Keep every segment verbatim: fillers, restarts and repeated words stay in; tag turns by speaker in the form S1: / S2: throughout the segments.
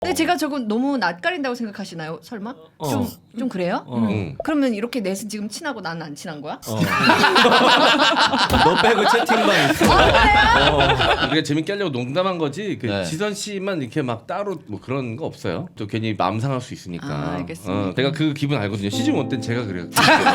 S1: 근데 제가 조금 너무 낯가린다고 생각하시나요? 설마?
S2: 어.
S1: 좀, 좀 그래요?
S2: 어.
S1: 음. 그러면 이렇게 넷은 지금 친하고 나는 안 친한 거야?
S2: 어. 너 빼고 채팅방 있어.
S3: 어, 우리가 재밌게 하려고 농담한 거지. 그
S4: 네.
S3: 지선 씨만 이렇게 막 따로 뭐 그런 거 없어요. 또 괜히 마음 상할 수 있으니까.
S1: 아, 알겠습니다.
S3: 어, 내가 그 기분 알거든요. 시즌 원 때는 제가 그래요.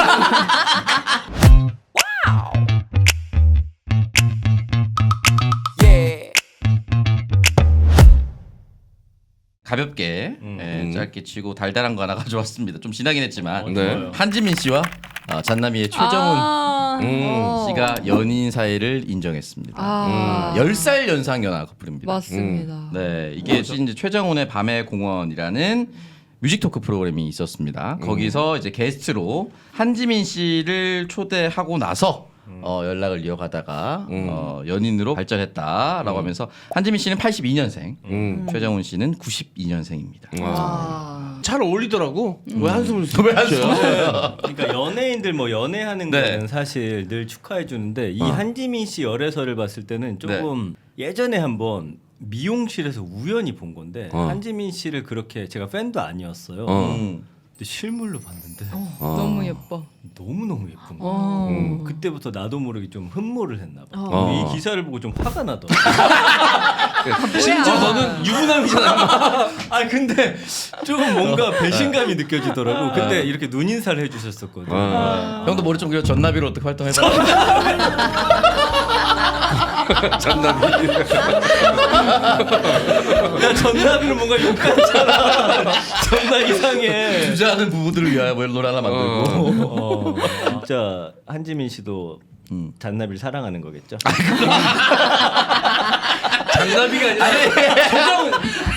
S4: 가볍게
S2: 음.
S4: 예, 짧게 치고 달달한 거 하나 가져왔습니다. 좀 지나긴 했지만
S2: 어,
S3: 네.
S2: 좋아요.
S4: 한지민 씨와 어, 잔나비의 최정훈
S1: 아,
S3: 음.
S1: 어.
S4: 씨가 연인 사이를 인정했습니다.
S1: 아,
S4: 열 살 연상 연하 커플입니다.
S1: 맞습니다.
S4: 네, 이게 이제 최정훈의 밤의 공원이라는 뮤직 토크 프로그램이 있었습니다. 거기서 이제 게스트로 한지민 씨를 초대하고 나서 어, 연락을 이어가다가
S3: 음.
S4: 어, 연인으로 발전했다라고 하면서 한지민 씨는 팔십이 년생,
S3: 음.
S4: 최정훈 씨는 구십이 년생입니다.
S1: 아.
S3: 잘 어울리더라고. 왜 한숨을
S4: 왜 한숨을
S3: 쉬어요?
S2: 그러니까 연예인들 뭐 연애하는
S4: 네.
S2: 거는 사실 늘 축하해 주는데 이
S4: 어.
S2: 한지민 씨 열애설을 봤을 때는 조금 예전에 한번 미용실에서 우연히 본 건데
S3: 어.
S2: 한지민 씨를 그렇게 제가 팬도 아니었어요.
S3: 어.
S4: 음.
S2: 근데 실물로 봤는데
S3: 어.
S1: 너무 예뻐.
S2: 너무 너무 예쁜 거예요.
S1: 어.
S3: 음.
S2: 그때부터 나도 모르게 좀 흠모를 했나 봐.
S1: 어.
S2: 이 기사를 보고 좀 화가 나더라고.
S3: 심지어 너는 유부남이잖아.
S2: 아 근데 조금 뭔가 배신감이 느껴지더라고. 그때 이렇게 눈인사를 해주셨었거든.
S3: 어.
S4: 형도 머리 좀 그려 전나비로 어떻게 활동해봐.
S3: 잔나비.
S2: 야 전나비는 뭔가 욕같잖아. 존나 이상해.
S4: 주저하는 부부들을 위하여 뭐 노래 하나 만들고.
S2: 어, 진짜 한지민 씨도
S4: 음.
S2: 잔나비를 사랑하는 거겠죠?
S3: 잔나비가 아니라 소정.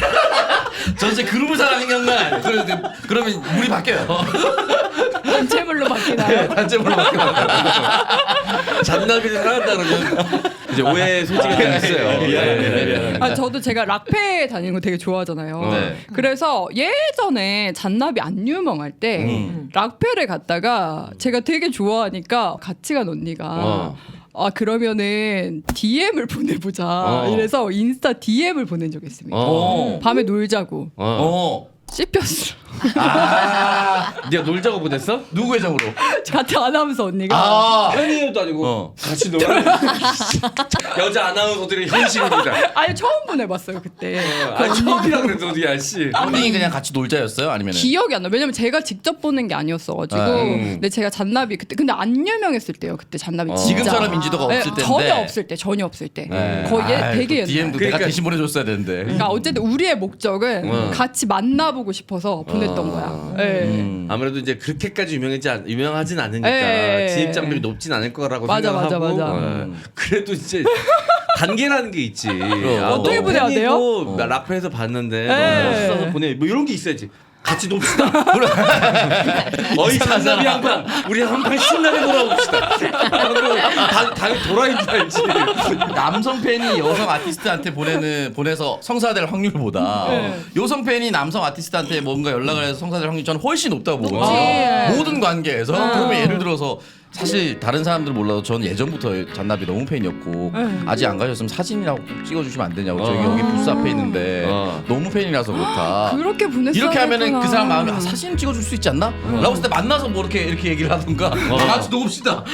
S4: 전체 그룹을 사랑하는 건가? 그러면 물이 바뀌어요.
S1: 단체물로 바뀌나요?
S4: 단체물로 바뀌어요.
S3: 잔나비를 사랑한다 그러면 이제 오해 소지가 좀 있어요.
S2: 미안해, 미안해.
S5: 아 저도 제가 락페 다니는 거 되게 좋아하잖아요.
S4: 네.
S5: 그래서 예전에 잔나비 안 유명할 때
S4: 음.
S5: 락페를 갔다가 제가 되게 좋아하니까 같이 간 언니가
S3: 어.
S5: 아 그러면은 디엠을 보내보자
S3: 어.
S5: 이래서 인스타 디엠을 보낸 적이 있습니다.
S3: 어.
S5: 밤에 놀자고
S3: 어.
S4: 어.
S5: 씹혔어.
S3: 아, 네가 놀자고 보냈어?
S4: 누구 계정으로?
S5: 같이 아나운서 언니가
S4: 아.
S3: 현이도 아니고
S4: 어.
S3: 같이 놀아. 여자 아나운서들의 현실입니다.
S5: 아니 처음 보내봤어요 그때.
S3: 아 처음이라 그래도 어디야 씨.
S4: 언니 그냥 같이 놀자였어요? 아니면
S5: 기억이 안 나. 왜냐면 제가 직접 보낸 게 아니었어가지고.
S4: 아,
S3: 음.
S5: 근데 제가 잔나비 그때 근데 안 유명했을 때요. 그때 잔나비
S3: 어.
S5: 진짜.
S4: 지금처럼 인지도가
S5: 네,
S4: 없을 때인데
S5: 전혀 없을 때, 전혀 없을 때.
S3: 네.
S5: 거의 예-
S4: 아이,
S5: 되게
S4: 그
S5: 옛날.
S4: 디엠도
S3: 그러니까-
S4: 내가 대신 보내줬어야 되는데.
S5: 그러니까 어쨌든 우리의 목적은
S3: 어.
S5: 같이 만나보고 싶어서 보냈던
S3: 어.
S5: 거야. 네.
S4: 음.
S3: 아무래도 이제 그렇게까지 유명하지 않, 유명하진 않으니까
S5: 에.
S3: 진입 장벽이 높진 않을 거라고
S5: 맞아,
S3: 생각하고
S5: 맞아, 맞아.
S3: 어. 그래도 이제 단계라는 게 있지. 아,
S5: 어떻게
S3: 너
S5: 보내야 돼요?
S3: 팬이고 나 락페에서 봤는데
S5: 에.
S3: 너무 멋있어서 보내. 뭐 이런 게 있어야지. 같이 놉시다. 어이 잔나비 양반, 우리 한판 신나게 놀아봅시다. 다, 다 도라인 줄 알지.
S4: 남성 팬이 여성 아티스트한테 보내는 보내서 성사될 확률보다
S5: 네.
S4: 여성 팬이 남성 아티스트한테 뭔가 연락을 해서 성사될 확률이 저는 훨씬 높다고 보거든요.
S5: 높지.
S4: 모든 관계에서
S5: 어.
S4: 그러면 예를 들어서 사실 다른 사람들 몰라도 저는 예전부터 잔나비 너무 팬이었고
S5: 네.
S4: 아직 안 가셨으면 사진이라고 꼭 찍어주시면 안 되냐고 저기
S3: 어.
S4: 여기 부스 앞에 있는데
S3: 어.
S4: 너무 팬이라서 그렇다.
S5: 그렇게 보냈어야
S4: 이렇게 하면은
S5: 했구나.
S4: 그 사람 마음에 아, 사진 찍어줄 수 있지 않나? 라고 했을 때 만나서 뭐 이렇게 이렇게 얘기를 하던가 다 같이 녹읍시다.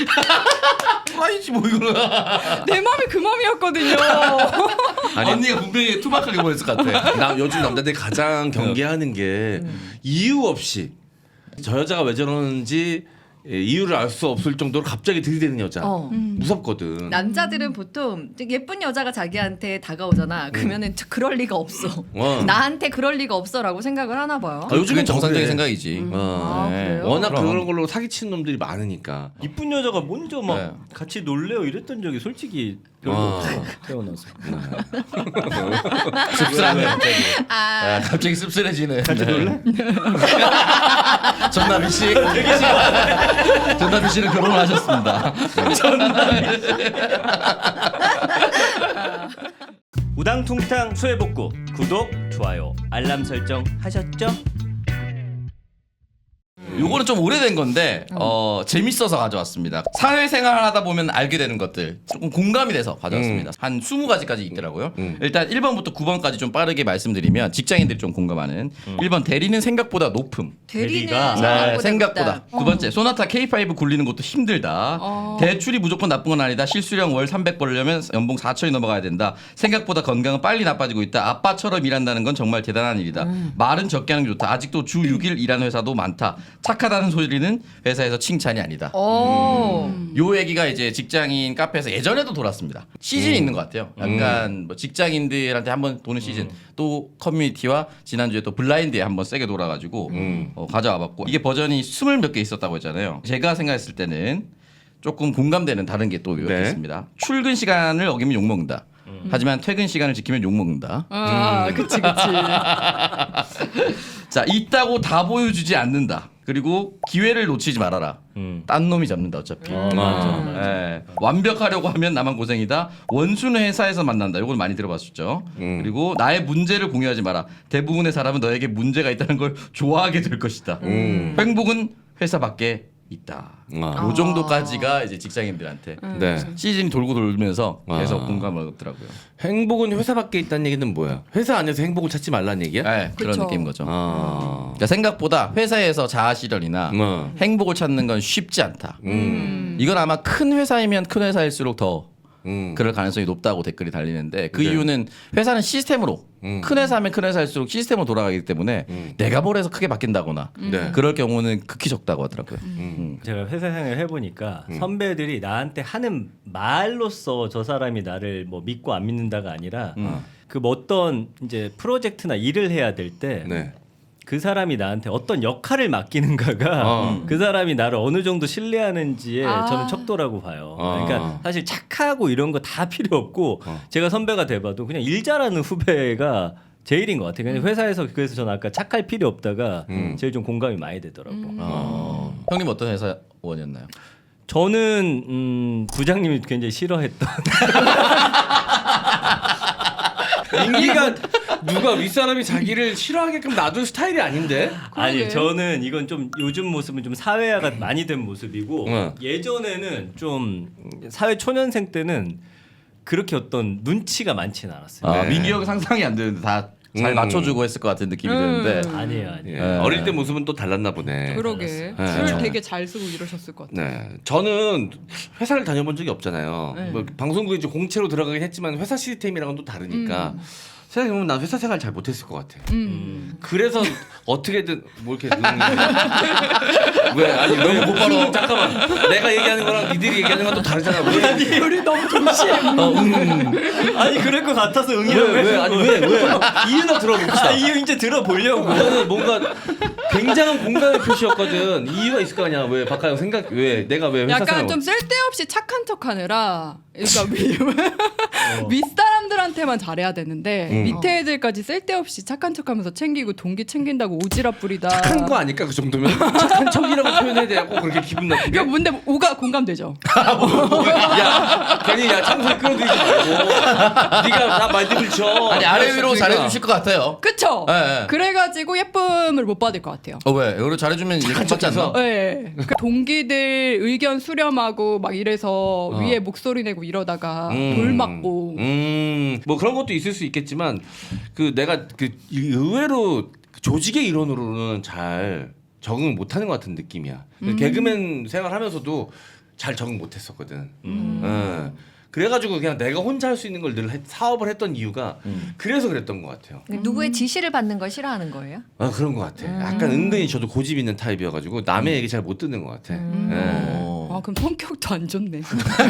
S4: 아니지 뭐 이거는.
S5: 내 마음이 그 마음이었거든요.
S4: 아니, 언니가 분명히 투박하게 보냈을 것 같아.
S3: 나 요즘 남자들이 가장 경계하는 게 이유 없이 저 여자가 왜 저러는지 예, 이유를 알 수 없을 정도로 갑자기 들이대는 여자
S1: 어.
S3: 무섭거든.
S1: 남자들은 보통 예쁜 여자가 자기한테 다가오잖아. 그러면은 저 그럴 리가 없어.
S3: 어.
S1: 나한테 그럴 리가 없어라고 생각을 하나 봐요.
S3: 아, 요즘엔
S4: 그게 정상적인
S3: 그래.
S4: 생각이지.
S3: 어.
S1: 아, 그래요?
S3: 워낙
S4: 그럼.
S3: 그런 걸로 사기치는 놈들이 많으니까.
S2: 이쁜 여자가 먼저 막
S4: 네.
S2: 같이 놀래요 이랬던 적이 솔직히 별로
S3: 어.
S2: 없어. 태어나서.
S4: 씁쓸하네.
S1: 아,
S4: 아, 갑자기 씁쓸해지네. 같이 놀래? 전나비 씨. 전나비 씨는 결혼을 하셨습니다.
S2: 우당퉁탕 수해복구 구독, 좋아요, 알람 설정 하셨죠?
S4: 요거는 좀 오래된 건데 어, 재밌어서 가져왔습니다. 사회생활 하다 보면 알게 되는 것들 조금 공감이 돼서 가져왔습니다. 한 스무 가지까지 있더라고요.
S3: 음.
S4: 일단 일 번부터 구 번까지 좀 빠르게 말씀드리면 직장인들이 좀 공감하는 일 번 대리는 생각보다 높음.
S1: 대리는
S2: 대리가-
S1: 생각보다,
S4: 네, 생각보다.
S1: 높다.
S4: 두 번째, 소나타 케이 파이브 굴리는 것도 힘들다.
S5: 어.
S4: 대출이 무조건 나쁜 건 아니다. 실수령 월 삼백 벌려면 연봉 사천이 넘어가야 된다. 생각보다 건강은 빨리 나빠지고 있다. 아빠처럼 일한다는 건 정말 대단한 일이다. 말은 적게 하는 게 좋다. 아직도 주 육 일 일하는 회사도 많다. 착하다는 소리는 회사에서 칭찬이 아니다.
S1: 오.
S4: 요 얘기가 이제 직장인 카페에서 예전에도 돌았습니다. 시즌이 있는 것 같아요. 약간 뭐 직장인들한테 한번 도는 시즌, 또 커뮤니티와 지난주에 또 블라인드에 한번 세게 돌아가지고 어, 가져와봤고 이게 버전이 스물 몇 개 있었다고 했잖아요. 제가 생각했을 때는 조금 공감되는 다른 게 또
S3: 네.
S4: 있습니다. 출근 시간을 어기면 욕 먹는다. 하지만 퇴근 시간을 지키면 욕 먹는다.
S5: 아, 그치 그치.
S4: 자, 있다고 다 보여주지 않는다. 그리고 기회를 놓치지 말아라.
S2: 음.
S4: 딴 놈이 잡는다 어차피.
S2: 어, 맞아, 맞아.
S4: 예. 완벽하려고 하면 나만 고생이다. 원수는 회사에서 만난다. 이걸 많이 들어봤었죠.
S3: 음.
S4: 그리고 나의 문제를 공유하지 마라. 대부분의 사람은 너에게 문제가 있다는 걸 좋아하게 될 것이다.
S3: 음.
S4: 행복은 회사 밖에 있다.
S3: 아.
S4: 요 정도까지가 이제 직장인들한테
S3: 네.
S4: 시즌이 돌고 돌면서 계속
S3: 아.
S4: 공감을 얻더라고요.
S3: 행복은 회사 밖에 있다는 얘기는 뭐야? 회사 안에서 행복을 찾지 말라는 얘기야?
S4: 네, 그런
S5: 그쵸.
S4: 느낌인 거죠.
S3: 아.
S4: 그러니까 생각보다 회사에서 자아 실현이나
S3: 어.
S4: 행복을 찾는 건 쉽지 않다.
S3: 음.
S4: 이건 아마 큰 회사이면 큰 회사일수록 더
S3: 음.
S4: 그럴 가능성이 높다고 댓글이 달리는데 그
S3: 네.
S4: 이유는 회사는 시스템으로
S3: 음.
S4: 큰 회사면 큰 회사일수록 시스템으로 돌아가기 때문에
S3: 음.
S4: 내가 뭘 해서 크게 바뀐다거나
S3: 네.
S4: 그럴 경우는 극히 적다고 하더라고요.
S3: 음.
S2: 제가 회사 생활 해보니까 선배들이 나한테 하는 말로써 저 사람이 나를 뭐 믿고 안 믿는다가 아니라
S4: 음.
S2: 그 뭐 어떤 이제 프로젝트나 일을 해야 될 때 그
S3: 네.
S2: 사람이 나한테 어떤 역할을 맡기는가가
S3: 어.
S2: 그 사람이 나를 어느 정도 신뢰하는지에
S5: 아.
S2: 저는 척도라고 봐요.
S3: 어.
S2: 그러니까 사실 착하고 이런 거 다 필요 없고
S3: 어.
S2: 제가 선배가 돼봐도 그냥 일 잘하는 후배가 제일인 것 같아요. 그냥 회사에서 그래서 저는 아까 착할 필요 없다가
S3: 음.
S2: 제일 좀 공감이 많이 되더라고.
S4: 어. 형님 어떤 회사원이었나요?
S2: 저는 음, 부장님이 굉장히 싫어했던
S3: 인기가 누가 윗사람이 자기를 싫어하게끔 놔둔 스타일이 아닌데?
S2: 아니 저는 이건 좀 요즘 모습은 좀 사회화가 많이 된 모습이고
S3: 응.
S2: 예전에는 좀 사회 초년생 때는 그렇게 어떤 눈치가 많지는 않았어요.
S4: 아,
S3: 네.
S4: 민기 형 상상이 안 되는데 다 잘
S3: 음.
S4: 맞춰주고 했을 것 같은 느낌이
S5: 음.
S4: 드는데
S2: 아니에요, 아니에요.
S3: 예.
S4: 네.
S3: 어릴 때 모습은 또 달랐나 보네.
S5: 그러게.
S3: 네.
S5: 줄 되게 잘 쓰고 이러셨을 것 같아.
S3: 네, 저는 회사를 다녀본 적이 없잖아요.
S5: 네.
S3: 뭐 방송국에 이제 공채로 들어가긴 했지만 회사 시스템이랑은 또 다르니까 생각해보면 난 회사 생활 잘 못했을 것 같아.
S5: 음.
S3: 그래서 어떻게든 뭐 이렇게 왜 아니 너무 못 바로 잠깐만 내가 얘기하는 거랑 니들이 얘기하는 건 또 다르잖아. 왜?
S5: 우리 너무 동시에.
S3: 어, 음.
S2: 아니 그럴 것 같아서 응이라고
S3: 왜, 왜? 아니 왜? 왜? 이유나 들어봅시다.
S2: 아, 이유 이제 들어보려고.
S3: 나는 뭔가 굉장한 공감의 표시였거든. 이유가 있을 거 아니야. 왜 박하영 생각 왜 내가 왜 회사
S5: 약간
S3: 생활
S5: 좀 쓸데없이 착한 척하느라 그러니까 위, 윗사람들한테만 잘해야 되는데
S3: 음.
S5: 밑에 애들까지 쓸데없이 착한 척하면서 챙기고 동기 챙긴다고 오지랖 부리다.
S3: 착한 거 아닐까 그 정도면 착한 척이라고 표현해야 되고 그렇게 기분 나쁘게.
S5: 이거 뭔데 오가 공감되죠?
S3: 야 괜히 야 창소리 끌어들이지 말고 네가 나 말들을 쳐.
S4: 아니 아래 위로 잘해주실 것 같아요.
S5: 그쵸?
S4: 네, 네.
S5: 그래가지고 예쁨을 못 받을 것 같아요.
S4: 어 왜? 이걸 잘해주면 이렇게 받지 않나?
S5: 네. 그 동기들 의견 수렴하고 막 이래서
S3: 어.
S5: 위에 목소리 내고 이러다가
S3: 음.
S5: 돌 맞고
S3: 음, 뭐 그런 것도 있을 수 있겠지만 그 내가 그 의외로 조직의 일원으로는 잘 적응 못하는 것 같은 느낌이야.
S5: 음.
S3: 개그맨 생활하면서도 잘 적응 못했었거든.
S2: 음.
S3: 예. 그래가지고 그냥 내가 혼자 할 수 있는 걸 늘 사업을 했던 이유가 그래서 그랬던 것 같아요.
S1: 누구의 지시를 받는 걸 싫어하는 거예요?
S3: 아 그런 것 같아. 약간 은근히 저도 고집 있는 타입이어가지고 남의 얘기 잘 못 듣는 것 같아. 예.
S4: 어.
S5: 아 그럼 성격도 안 좋네.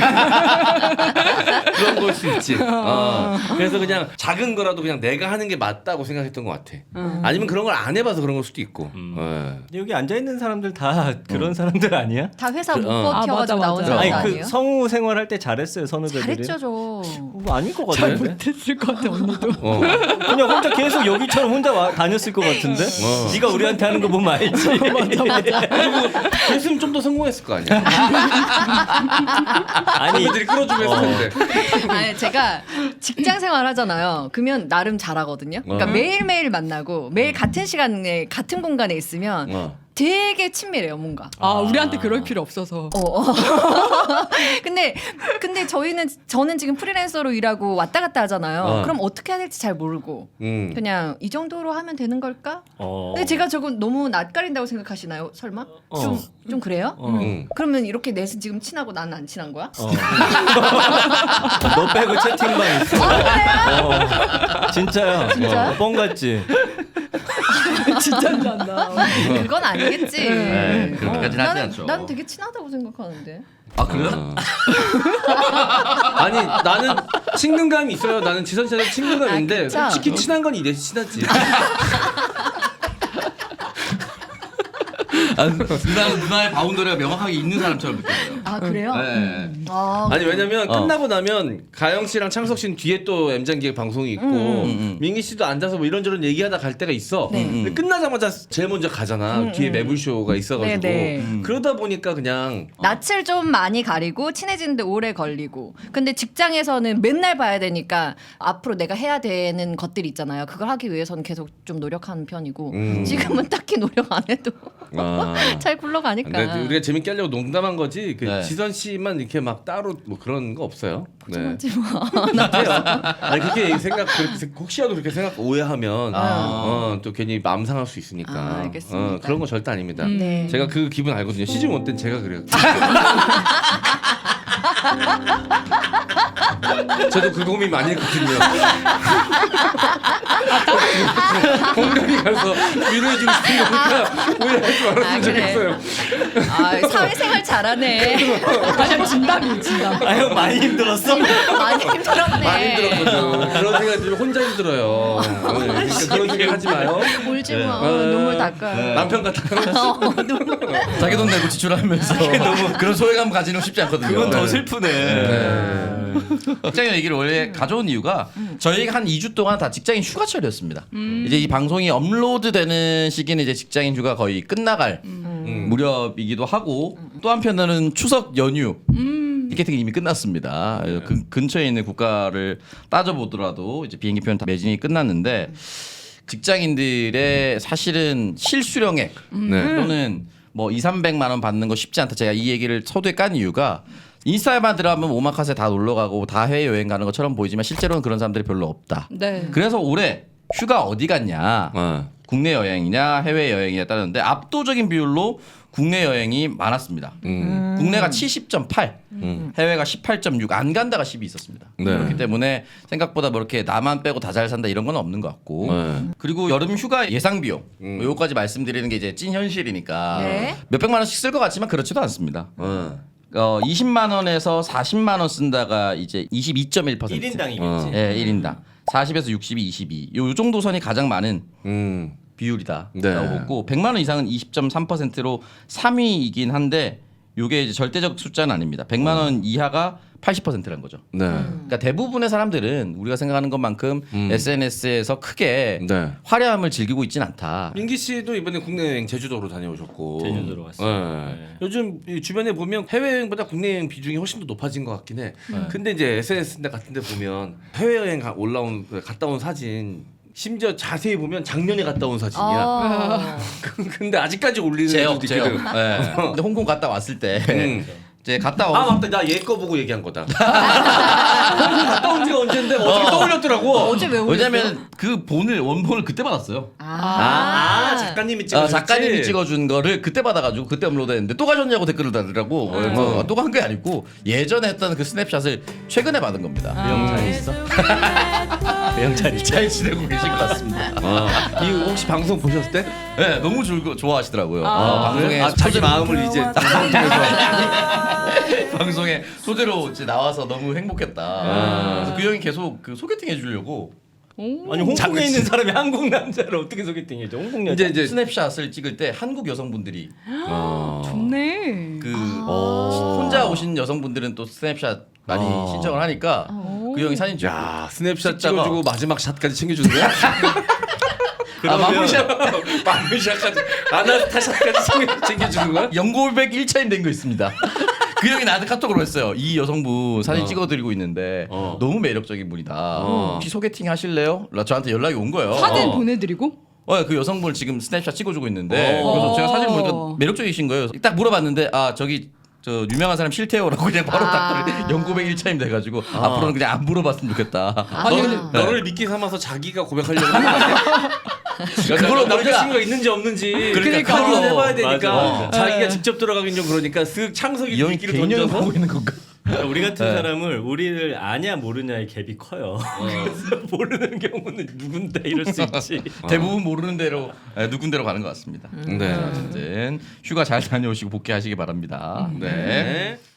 S3: 그런 걸 수 있지. 어. 그래서 그냥 작은 거라도 그냥 내가 하는 게 맞다고 생각했던 것 같아. 아니면 그런 걸 안 해봐서 그런 걸 수도 있고.
S2: 음.
S3: 예.
S2: 여기 앉아 있는 사람들 다 그런 사람들 아니야?
S1: 다 회사
S3: 그,
S1: 못
S3: 어.
S5: 아,
S1: 버텨가지고
S5: 맞아,
S1: 나온
S5: 맞아.
S1: 사람
S2: 아니
S1: 아니에요?
S2: 그 성우 생활할 때 잘했어요 선후배들이.
S1: 잘했죠 저.
S2: 뭐 아닐 것
S5: 잘
S2: 같은데.
S5: 못했을 것 같아 언니도.
S3: 어.
S2: 그냥 혼자 계속 여기처럼 혼자 와, 다녔을 것 같은데.
S3: 어.
S2: 네가 우리한테 하는 거 보면 알지.
S5: 맞아 맞아.
S3: 그랬으면 좀 더 성공했을 거 아니야.
S2: 아니
S3: 선배들이 끌어주면
S2: 어.
S3: 했을 텐데.
S1: 아니 제가 직장 생활 하잖아요. 그러면 나름 잘하거든요. 그러니까
S3: 어.
S1: 매일 매일 만나고 매일 같은 시간에 같은 공간에 있으면
S3: 어.
S1: 되게 친밀해요 뭔가.
S5: 아, 우리한테 그럴 필요 없어서.
S1: 어, 어. 근데 근데 저희는 저는 지금 프리랜서로 일하고 왔다 갔다 하잖아요.
S3: 어.
S1: 그럼 어떻게 해야 될지 잘 모르고
S3: 음.
S1: 그냥 이 정도로 하면 되는 걸까?
S2: 어.
S1: 근데 제가 저거 너무 낯가린다고 생각하시나요? 설마?
S2: 어.
S1: 좀 좀 그래요?
S3: 음.
S1: 그러면 이렇게 넷은 지금 친하고 나는 안 친한 거야?
S2: 어. 너 빼고 채팅방 있어. 어. 진짜요?
S1: 진짜요?
S2: 어, 뻥 같지.
S5: 진짜 난다.
S1: 그건 아니겠지.
S4: 네, 그렇게까지는 하지
S1: 나는,
S4: 않죠.
S1: 난 되게 친하다고 생각하는데.
S4: 아 그래요?
S3: 아니 나는 친근감이 있어요. 나는 지선 씨랑 친근감인데
S1: 아, 그쵸?
S3: 솔직히 친한 건 이래서 친하지.
S4: 아, 누나는 누나의 바운더리가 명확하게 있는 사람처럼 느껴져요.
S1: 아 그래요?
S4: 네.
S1: 아,
S3: 아니 왜냐면
S4: 어.
S3: 끝나고 나면 가영 씨랑 창석 씨는 뒤에 또 엠장기획 방송이 있고
S1: 음,
S4: 음.
S3: 민기 씨도 앉아서 뭐 이런저런 얘기하다 갈 때가 있어.
S1: 네.
S3: 근데 끝나자마자 제일 먼저 가잖아.
S1: 음,
S3: 뒤에
S1: 음.
S3: 매불쇼가 있어가지고
S1: 네, 네.
S4: 음.
S3: 그러다 보니까 그냥
S1: 낯을 좀 많이 가리고 친해지는데 오래 걸리고 근데 직장에서는 맨날 봐야 되니까 앞으로 내가 해야 되는 것들이 있잖아요. 그걸 하기 위해서는 계속 좀 노력하는 편이고
S3: 음.
S1: 지금은 딱히 노력 안 해도
S3: 아.
S1: 잘 굴러가니까.
S3: 근데 우리가 재밌게 하려고 농담한 거지. 그
S4: 네.
S3: 지선 씨만 이렇게 막 따로 뭐 그런 거 없어요. 네.
S1: 하지 마.
S3: 못해요. 아니 그렇게 생각 그렇게 생- 혹시라도 그렇게 생각 오해하면
S1: 아.
S3: 어, 또 괜히 마음 상할 수 있으니까.
S1: 아, 알겠습니다.
S3: 어, 그런 거 절대 아닙니다.
S1: 네.
S3: 제가 그 기분 알거든요. 시즌 일 때는 제가 그래요. 저도 그 고민 많이 했거든요. 공감이 가서 위로해주고 싶은 거니까 오해하지
S1: 아,
S3: 말았으면
S1: 그래.
S3: 좋겠어요.
S1: 아, 사회생활 잘하네.
S5: 아니야, 진담이 진담.
S2: 아 형 많이 힘들었어?
S1: 많이 힘들었네.
S3: 많이 힘들었거든. 그런 생각 들으면 혼자 힘들어요. 어, 그러니까 그런 생각 하지 마요.
S1: 울지 마.
S3: 네.
S1: 눈물 닦아.
S3: 남편 같아.
S1: 어, 눈물.
S4: 자기 돈 내고 지출하면서 너무 그런 소외감 가지는 쉽지 않거든요.
S2: 그건 더
S4: 네.
S2: 슬프네.
S4: 직장인 얘기를 원래 가져온 이유가 저희가 한 이 주 동안 다 직장인 휴가철이었습니다. 이제 이 방송이 업로드되는 시기는 이제 직장인 휴가 거의 끝나갈
S3: 음.
S4: 무렵이기도 하고 또 한편으로는 추석 연휴 티켓팅이 이미 끝났습니다. 그래서 그 근처에 있는 국가를 따져보더라도 이제 비행기표는 다 매진이 끝났는데 직장인들의 사실은 실수령액
S3: 네.
S4: 또는 뭐 이삼백만 원 받는 거 쉽지 않다. 제가 이 얘기를 서두에 깐 이유가 인스타에만 들어가면 오마카세 다 놀러 가고 다 해외 여행 가는 것처럼 보이지만 실제로는 그런 사람들이 별로 없다.
S5: 네.
S4: 그래서 올해 휴가 어디 갔냐?
S3: 어.
S4: 국내 여행이냐 해외 여행이냐 따르는데 압도적인 비율로 국내 여행이 많았습니다.
S3: 음.
S4: 국내가 칠십 점 팔,
S3: 음.
S4: 해외가 십팔 점 육, 안 간다가 십이 있었습니다.
S3: 네.
S4: 그렇기 때문에 생각보다 뭐 이렇게 나만 빼고 다 잘 산다 이런 건 없는 것 같고
S3: 네.
S4: 그리고 여름 휴가 예상 비용
S3: 음.
S4: 요거까지 말씀드리는 게 이제 찐 현실이니까
S1: 네.
S4: 몇 백만 원씩 쓸 것 같지만 그렇지도 않습니다.
S3: 어.
S4: 어, 이십만 원에서 사십만 원 쓴다가 이제 이십이 점 일 퍼센트.
S2: 일 인당이겠지.
S3: 어.
S4: 예, 일 인당. 사십에서 육십이, 이십이. 요, 요 정도 선이 가장 많은
S3: 음.
S4: 비율이다.
S3: 네.
S4: 라고 보고 백만 원 이상은 이십 점 삼 퍼센트로 삼 위이긴 한데 요게 이제 절대적 숫자는 아닙니다. 백만 원 이하가 팔십 퍼센트라는 거죠.
S3: 네.
S4: 그러니까 대부분의 사람들은 우리가 생각하는 것만큼
S3: 음.
S4: 에스엔에스에서 크게
S3: 네.
S4: 화려함을 즐기고 있진 않다.
S3: 민기 씨도 이번에 국내 여행 제주도로 다녀오셨고.
S2: 제주도로 갔어요.
S3: 네.
S2: 네.
S3: 요즘 이 주변에 보면 해외 여행보다 국내 여행 비중이 훨씬 더 높아진 것 같긴 해. 근데 이제 에스엔에스 같은데 보면 해외 여행 가, 올라온 갔다 온 사진. 심지어 자세히 보면 작년에 갔다 온 사진이야.
S1: 어.
S3: 근데 아직까지 올리는
S4: 제역,
S3: 애들도
S4: 제역.
S3: 있거든.
S4: 네. 근데 홍콩 갔다 왔을 때
S3: 음.
S4: 이제 갔다
S3: 아
S4: 와서
S3: 맞다, 나 얘 거 보고 얘기한 거다. 갔다 온 지가 언젠데 어떻게
S4: 어.
S3: 떠올렸더라고.
S1: 어제 왜 울었어요?
S4: 왜냐면 그 본을 원본을 그때 받았어요.
S3: 아,
S1: 아,
S3: 아 작가님이 찍어.
S4: 아, 작가님이 찍어준 거를 그때 받아가지고 그때 업로드했는데 또 가셨냐고 댓글을 달더라고. 그래서 또 간 게 아니고 예전에 했던 그 스냅샷을 최근에 받은 겁니다.
S2: 형 잘 있어? 그 형 잘 있어?
S4: 잘 지내고 계신 것 같습니다.
S3: 아, 이 혹시 방송 보셨을 때?
S4: 네, 너무 즐거 좋아하시더라고요.
S5: 아.
S4: 어, 방송에
S3: 아, 자기
S4: 소재로-
S3: 마음을 이제 방송 통해서.
S4: 방송에 소재로 이제 나와서 너무 행복했다.
S3: 아.
S4: 그래서 그 형이 계속 그 소개팅 해주려고
S2: 아니 홍콩에 있는 사람이 한국 남자를 어떻게 소개팅해줘? 홍콩 여자.
S3: 이제 이제
S4: 스냅샷을 찍을 때 한국 여성분들이
S3: 어.
S5: 좋네.
S4: 그
S3: 어.
S4: 혼자 오신 여성분들은 또 스냅샷 많이
S3: 어.
S4: 신청을 하니까 그 형이 사진 찍고
S3: 야 스냅샷
S4: 찍다가-
S3: 찍어주고 마지막 샷까지 챙겨주는 거야? 아 마무샷 마무샷까지 아나스타샷까지 챙겨, 챙겨주는 거야?
S4: 연고백 일 차임 된 거 있습니다. 그 형이 나한테 카톡으로 했어요. 이 여성분 사진
S3: 어.
S4: 찍어드리고 있는데
S3: 어.
S4: 너무 매력적인 분이다.
S3: 어.
S4: 혹시 소개팅 하실래요? 저한테 연락이 온 거예요.
S5: 사진
S3: 어.
S5: 보내드리고?
S4: 어, 그 여성분을 지금 스냅샷 찍어주고 있는데
S3: 어.
S4: 그래서 제가 사진
S5: 어.
S4: 보니까 매력적이신 거예요. 딱 물어봤는데 아 저기 저 유명한 사람 싫대요라고 그냥 바로
S5: 아.
S4: 딱 영구백 일 차임 돼가지고 앞으로는 그냥 안 물어봤으면 좋겠다.
S1: 아,
S3: 너를,
S1: 근데-
S3: 너를 미끼 삼아서 자기가 고백하려고 하는 거 아니야?
S4: 그걸로
S3: 남자친구가 있는지 없는지
S4: 그러니까
S3: 확인을
S4: 그걸로.
S3: 해봐야 되니까
S2: 맞아.
S3: 자기가 직접 들어가긴 좀 그러니까 쓱 창석이
S4: 이 형이
S3: 미끼를
S4: 개인연애
S3: 던져서
S4: 보고 있는 건가?
S2: 그러니까 우리 같은
S4: 네.
S2: 사람을 우리를 아냐 모르냐의 갭이 커요. 그래서 모르는 경우는 누군데 이럴 수 있지.
S4: 대부분 모르는 대로 에, 누군대로 가는 것 같습니다.
S3: 네.
S4: 어쨌든 휴가 잘 다녀오시고 복귀하시기 바랍니다. 네.
S3: 네.